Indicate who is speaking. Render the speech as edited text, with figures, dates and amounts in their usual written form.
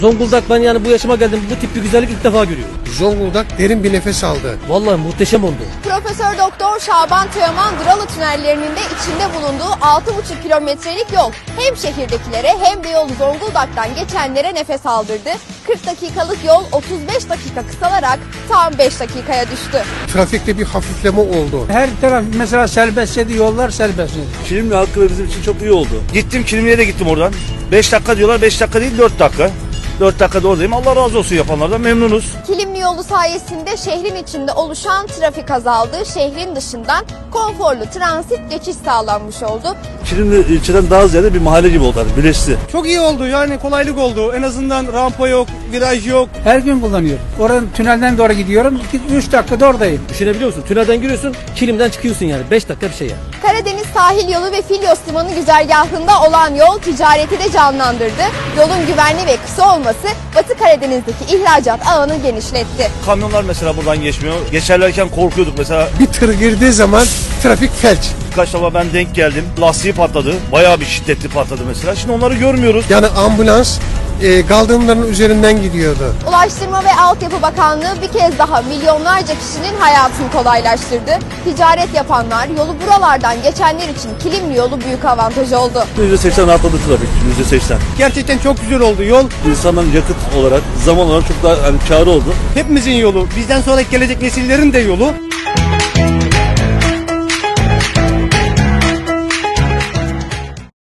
Speaker 1: Zonguldak, ben yani bu yaşıma geldim, bu tip bir güzellik ilk defa görüyorum.
Speaker 2: Zonguldak derin bir nefes aldı.
Speaker 1: Vallahi muhteşem oldu.
Speaker 3: Profesör Doktor Şaban Teoman Duralı tünellerinin de içinde bulunduğu 6,5 kilometrelik yol hem şehirdekilere hem de yolu Zonguldak'tan geçenlere nefes aldırdı. 40 dakikalık yol 35 dakika kısalarak tam 5 dakikaya düştü.
Speaker 2: Trafikte bir hafifleme oldu.
Speaker 4: Her taraf mesela serbestseydi, yollar serbestseydi.
Speaker 5: Kilimli hakkı bizim için çok iyi oldu. Gittim Kilimli'ye de gittim oradan. 5 dakika diyorlar, 5 dakika değil 4 dakika. 4 dakikada oradayım. Allah razı olsun yapanlardan, memnunuz.
Speaker 3: Kilimli yolu sayesinde şehrin içinde oluşan trafik azaldı. Şehrin dışından konforlu transit geçiş sağlanmış oldu.
Speaker 5: Kilimli ilçeden daha ziyade bir mahalle gibi oldu. Birleşti.
Speaker 6: Çok iyi oldu, yani kolaylık oldu. En azından rampa yok, viraj yok.
Speaker 4: Her gün kullanıyorum. Oradan tünelden doğru gidiyorum. 3 dakikada oradayım.
Speaker 1: Düşünebiliyor musun? Tünelden giriyorsun, Kilim'den çıkıyorsun yani. 5 dakika bir şey yani.
Speaker 3: Karadeniz sahil yolu ve Filyos limanı güzergahında olan yol ticareti de canlandırdı. Yolun güvenli ve kısa olması Batı Karadeniz'deki ihracat ağını genişletti.
Speaker 5: Kamyonlar mesela buradan geçmiyor. Geçerlerken korkuyorduk mesela.
Speaker 2: Bir tır girdiği zaman trafik felç.
Speaker 5: Birkaç defa ben denk geldim. Lastiği patladı. Bayağı bir şiddetli patladı mesela. Şimdi onları görmüyoruz.
Speaker 2: Yani ambulans kaldırımların üzerinden gidiyordu.
Speaker 3: Ulaştırma ve Altyapı Bakanlığı bir kez daha milyonlarca kişinin hayatını kolaylaştırdı. Ticaret yapanlar, yolu buralardan geçenler için Kilimli yolu büyük avantaj oldu.
Speaker 5: %80 rahatladı trafik. %80.
Speaker 6: Gerçekten çok güzel oldu yol.
Speaker 5: İnsanların yakıt olarak, zaman olarak çok daha kârı oldu.
Speaker 6: Hepimizin yolu, bizden sonra gelecek nesillerin de yolu.